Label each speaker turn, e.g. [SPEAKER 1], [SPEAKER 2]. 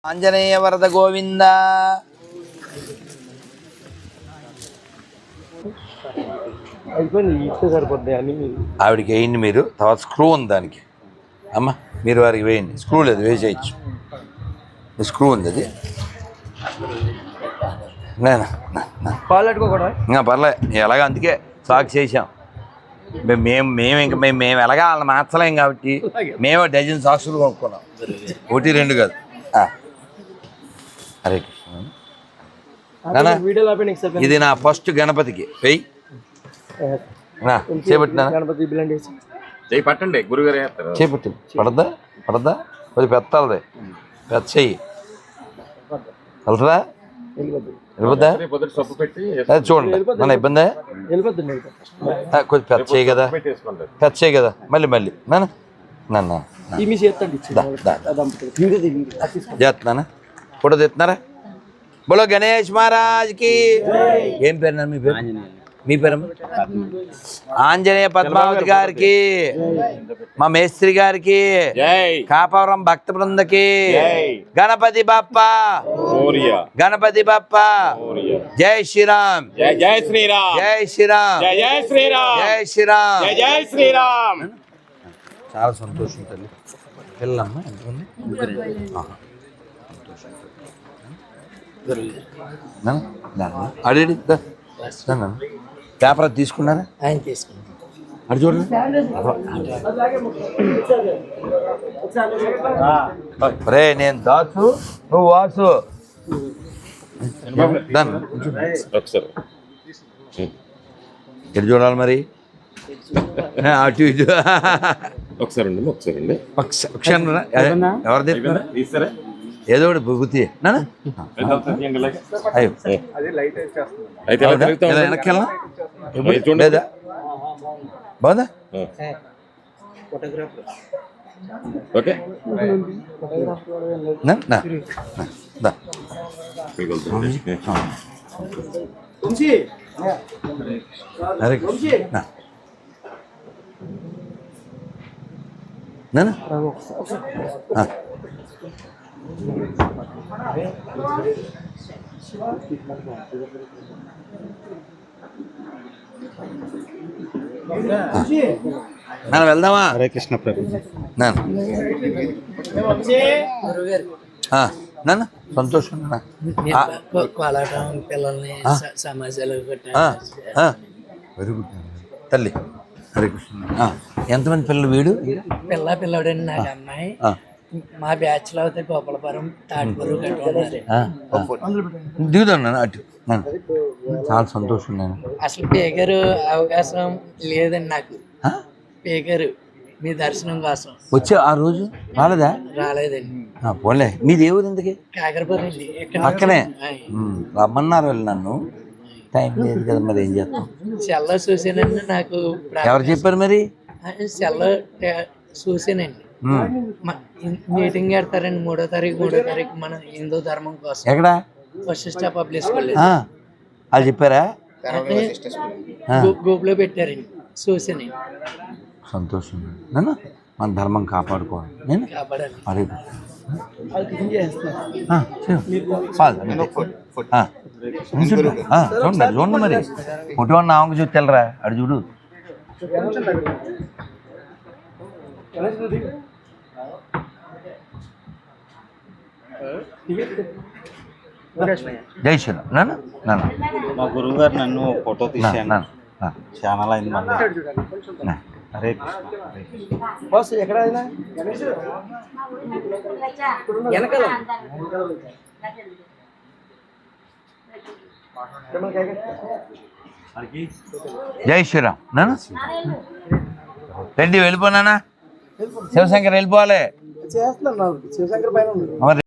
[SPEAKER 1] ఆంజనేయ వరద గోవింద. ఆవిడికి వేయండి మీరు, తర్వాత స్క్రూ ఉంది దానికి. అమ్మ మీరు వారికి వేయండి, స్క్రూ లేదు వేసేయచ్చు, స్క్రూ ఉంది అది. పర్లే ఎలాగ, అందుకే సాక్ చేసాం మేము ఎలాగా వాళ్ళని మార్చలేం కాబట్టి మేము డజన్ సాక్సులు కొనుక్కున్నాం, ఒకటి రెండు కాదు. హరే కృష్ణ. ఇది నా ఫస్ట్ గణపతికి వెయ్యి చేపట్టినా
[SPEAKER 2] పట్టండి గురుగారు
[SPEAKER 1] చేపట్టి పడద్దా పడద్దా కొద్ది పెత్తాలది పెద్ద చెయ్యి వెళ్తుందా వెళ్ళిపోద్దా అది చూడండి మన ఇబ్బందా కొద్ది పెద్ద చేయి కదా పెద్ద చేయి కదా మళ్ళీ మళ్ళీ నాన్న చేస్తున్నానా ఫోటో తెస్తున్నారా? బోలో గణేష్ మహారాజ్కి. ఏం పేరు మీ పేరు? మీ పేరు ఆంజనేయ పద్మావతి గారికి, మా మేస్త్రి గారికి, కాపవరం భక్త బృందకి. గణపతి బప్ప గణపతి బప్ప. జై శ్రీరామ్
[SPEAKER 2] జై శ్రీరామ్
[SPEAKER 1] జై శ్రీరామ్
[SPEAKER 2] జై శ్రీరామ్
[SPEAKER 1] జై శ్రీరామ్
[SPEAKER 2] జై శ్రీరామ్.
[SPEAKER 1] చాలా సంతోషం తల్లి. పిల్లమ్మ ఎంతమంది? అడిగి పేపర్ అది తీసుకున్నారా? అది చూడండి. రే నేను దాసు, నువ్వు వాసు. ఎటు చూడాలి మరి? అటు ఇటు
[SPEAKER 2] ఒకసారి
[SPEAKER 1] ఎవరిది ఏదో ఒకటి బుద్ధి వెనక్కి లేదా బాగుందా?
[SPEAKER 2] ఓకే
[SPEAKER 1] మనం వెళ్దామా?
[SPEAKER 3] హరే కృష్ణ ప్రభు.
[SPEAKER 1] నాన్న సంతోషం
[SPEAKER 4] పిల్లల్ని సమాజాలు
[SPEAKER 1] వెరీ గుడ్ తల్లి. హరే కృష్ణ. ఎంతమంది పిల్లలు? వీడు
[SPEAKER 4] పిల్లడండి నాకు అమ్మాయి. మా బ్యాచ్ లో అయితే గోపాలపురం తాటిపూరు
[SPEAKER 1] దిగుతాను అటు. చాలా సంతోషం. నేను
[SPEAKER 4] అసలు పేకరు అవకాశం లేదండి నాకు. పేకరు మీ దర్శనం కోసం
[SPEAKER 1] వచ్చే ఆ రోజు
[SPEAKER 4] రాలేదండి.
[SPEAKER 1] పోలే మీది ఏ ఊరు? ఎందుకు?
[SPEAKER 4] కాకరపురం అండి,
[SPEAKER 1] పక్కనే రమ్మన్నారు వాళ్ళు నన్ను. టైం లేదు కదా, మరి ఏం చేస్తాం?
[SPEAKER 4] సెల్లో చూసానండి. నాకు
[SPEAKER 1] ఎవరు చెప్పారు మరి?
[SPEAKER 4] సెల్లో చూసానండి. మీటింగ్ పెడతారండి 3వ తారీఖు మన హిందూ ధర్మం కోసం.
[SPEAKER 1] ఎక్కడ?
[SPEAKER 4] Vashishta public school.
[SPEAKER 1] వాళ్ళు చెప్పారా?
[SPEAKER 4] గ్రూప్ లో పెట్టారండి, చూసాను.
[SPEAKER 1] సంతోషం. నేను మన ధర్మం కాపాడుకోవాలి. నేను అరే చూడండి చూడండి మరి ఫోటో నామకు చూసి తెల్లరా అడు చూడు. జై శ్రీరామ్. నాన్న నాన్న
[SPEAKER 3] మా గురువు గారు నన్ను ఫోటో తీసాను, ఛానల్ అయింది మళ్ళీ. హరే కృష్ణ.
[SPEAKER 4] ఎక్కడ
[SPEAKER 1] జై శ్రీరామ్. నాన్న రెడ్డి వెళ్ళిపోనా? శివశంకర్ వెళ్ళిపోవాలి.